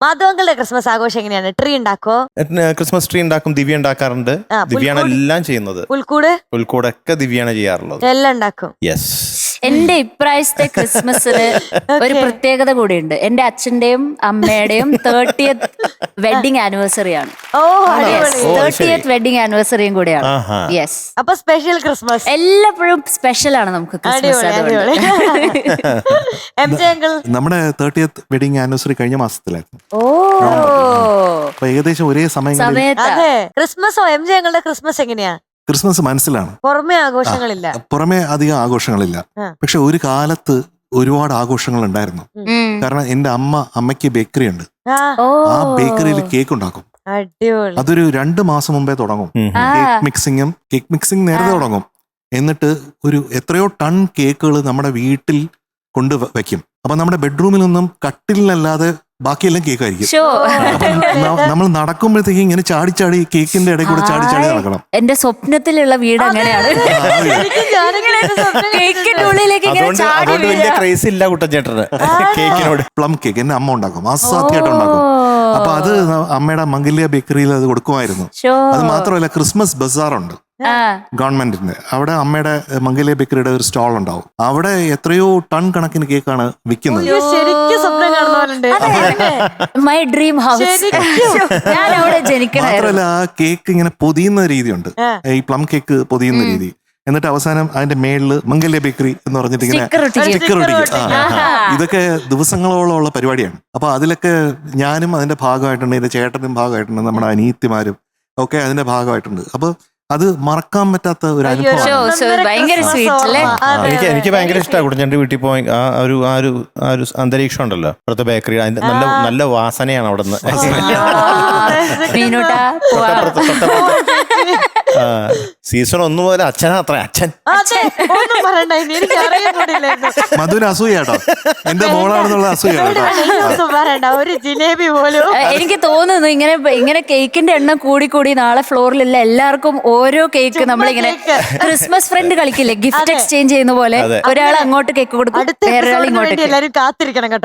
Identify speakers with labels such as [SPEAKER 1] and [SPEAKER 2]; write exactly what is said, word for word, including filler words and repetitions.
[SPEAKER 1] മാധവങ്ങളുടെ Christmas ആഘോഷം എങ്ങനെയാണ്? Tree ഉണ്ടാക്കോ?
[SPEAKER 2] ക്രിസ്മസ് ട്രീ ഉണ്ടാക്കും, ദിവ്യ ഉണ്ടാക്കാറുണ്ട്. ദിവ്യാണ് എല്ലാം ചെയ്യുന്നത്.
[SPEAKER 1] പുൽക്കൂട്
[SPEAKER 2] പുൽക്കൂടൊക്കെ ദിവ്യാണ് ചെയ്യാറുള്ളത്.
[SPEAKER 1] എല്ലാം ഉണ്ടാക്കും.
[SPEAKER 2] യെസ്.
[SPEAKER 3] എന്റെ ഇപ്രാവശ്യത്തെ ക്രിസ്മസിന് ഒരു പ്രത്യേകത കൂടിയുണ്ട്. എന്റെ അച്ഛന്റെയും അമ്മയുടെയും തേർട്ടിയത്ത് വെഡിങ് ആനിവേഴ്സറി ആണ്.
[SPEAKER 1] ഓ,
[SPEAKER 3] തേർട്ടിയത്ത് വെഡിങ് ആനിവേഴ്സറിയും കൂടെയാണ്. യെസ്.
[SPEAKER 1] അപ്പൊ സ്പെഷ്യൽ ക്രിസ്മസ്
[SPEAKER 3] എല്ലാപ്പോഴും സ്പെഷ്യൽ ആണ് നമുക്ക് ക്രിസ്മസ്.
[SPEAKER 1] എം ജെ അങ്കിൾ
[SPEAKER 4] നമ്മുടെ തേർട്ടിയത്ത് വെഡിങ് ആനിവേഴ്സറി കഴിഞ്ഞ മാസത്തിലായിരുന്നു.
[SPEAKER 3] ഓ,
[SPEAKER 4] അപ്പൊ ഏകദേശം ഒരേ സമയം
[SPEAKER 1] അതെ. ക്രിസ്മസോ എം ജെ അങ്കിളുടെ ക്രിസ്മസ് എങ്ങനെയാ?
[SPEAKER 4] ക്രിസ്മസ് മനസ്സിലാണ്,
[SPEAKER 1] പുറമെ ആഘോഷങ്ങളില്ല,
[SPEAKER 4] പുറമെ അധികം ആഘോഷങ്ങളില്ല. പക്ഷെ ഒരു കാലത്ത് ഒരുപാട് ആഘോഷങ്ങൾ ഉണ്ടായിരുന്നു. കാരണം എന്റെ അമ്മ അമ്മയ്ക്ക് ബേക്കറി ഉണ്ട്. ആ ബേക്കറിയിൽ കേക്ക് ഉണ്ടാക്കും.
[SPEAKER 1] അടിപൊളി.
[SPEAKER 4] അതൊരു രണ്ട് മാസം മുമ്പേ തുടങ്ങും. കേക്ക് മിക്സിങ്ങും കേക്ക് മിക്സിംഗ് നേരത്തെ തുടങ്ങും. എന്നിട്ട് ഒരു എത്രയോ ടൺ കേക്കുകൾ നമ്മുടെ വീട്ടിൽ കൊണ്ട് വെക്കും. അപ്പൊ നമ്മുടെ ബെഡ്റൂമിൽ നിന്നും കട്ടിലല്ലാതെ ബാക്കിയെല്ലാം കേക്കായിരിക്കും. നമ്മൾ നടക്കുമ്പോഴത്തേക്ക് ഇങ്ങനെ ചാടി ചാടി കേക്കിന്റെ ഇടയിൽ കൂടെ ചാടി ചാടി നടക്കണം.
[SPEAKER 3] എന്റെ സ്വപ്നത്തിലുള്ള വീട് അങ്ങനെയാണ്. കേക്കിന്റെ ഉള്ളിലേക്ക്
[SPEAKER 2] ക്രേസ് ഇല്ല കുട്ടൻചേട്ടന് കേക്കിനോട്.
[SPEAKER 4] പ്ലം കേക്ക് എന്റെ അമ്മ ഉണ്ടാക്കും, അസാധ്യമായിട്ട് ഉണ്ടാക്കും. അപ്പൊ അത് അമ്മയുടെ മംഗല്യ ബേക്കറിയിൽ അത് കൊടുക്കുമായിരുന്നു. അത് മാത്രമല്ല ക്രിസ്മസ് ബസാറുണ്ട് ഗവൺമെന്റിന്റെ. അവിടെ അമ്മയുടെ മംഗല്യ ബേക്കറിയുടെ ഒരു സ്റ്റാൾ ഉണ്ടാവും. അവിടെ എത്രയോ ടൺ കണക്കിന് കേക്കാണ് വിൽക്കുന്നത്.
[SPEAKER 3] My dream house. ഞാൻ അവിടെ ജനിക്കണം.
[SPEAKER 4] മാത്രമല്ല ആ കേക്ക് ഇങ്ങനെ പൊതിയുന്ന രീതിയുണ്ട്, ഈ പ്ലം കേക്ക് പൊതിയുന്ന രീതി. എന്നിട്ട് അവസാനം അതിന്റെ മേളില് മംഗല്യ ബേക്കറി എന്ന് പറഞ്ഞിട്ട് ഇങ്ങനെ സ്റ്റിക്കർ ഒട്ടിക്കും. ഇതൊക്കെ ദിവസങ്ങളോളം ഉള്ള പരിപാടിയാണ്. അപ്പൊ അതിലൊക്കെ ഞാനും അതിന്റെ ഭാഗമായിട്ടുണ്ട്, എന്റെ ചേട്ടനും ഭാഗമായിട്ടുണ്ട്, നമ്മുടെ അനിയത്തിമാരും ഒക്കെ അതിന്റെ ഭാഗമായിട്ടുണ്ട്. അപ്പൊ അത് മറക്കാൻ പറ്റാത്ത ഒരു അനുഭവമാണ്.
[SPEAKER 2] എനിക്ക് എനിക്ക് ഭയങ്കര ഇഷ്ടമാണ് കുട്ടൻചേട്ടൻ്റെ വീട്ടിൽ പോയി. ആ ഒരു ആ ഒരു ആ ഒരു അന്തരീക്ഷം ഉണ്ടല്ലോ അവിടുത്തെ ബേക്കറി, അതിന്റെ നല്ല നല്ല വാസനയാണ് അവിടെ നിന്ന്. സീസൺ ഒന്നു പോലെ അച്ഛനാ അത്ര അച്ഛൻ
[SPEAKER 4] മധുര അസൂയാട്ടോ, എന്റെ മോളാണെന്നുള്ള അസൂയാട്ടോ.
[SPEAKER 1] ഒരു ജിലേബി പോലും.
[SPEAKER 3] എനിക്ക് തോന്നുന്നു ഇങ്ങനെ ഇങ്ങനെ കേക്കിന്റെ എണ്ണം കൂടി കൂടി നാളെ ഫ്ലോറിലുള്ള എല്ലാവർക്കും ഓരോ കേക്ക് നമ്മളിങ്ങനെ ക്രിസ്മസ് ഫ്രണ്ട് കളിക്കില്ലേ, ഗിഫ്റ്റ് എക്സ്ചേഞ്ച് ചെയ്യുന്ന പോലെ ഒരാൾ അങ്ങോട്ട് കേക്ക് കൊടുക്കും, വേറെ ആൾ ഇങ്ങോട്ട്.
[SPEAKER 1] എല്ലാരും കാത്തിരിക്കണം കേട്ടോ.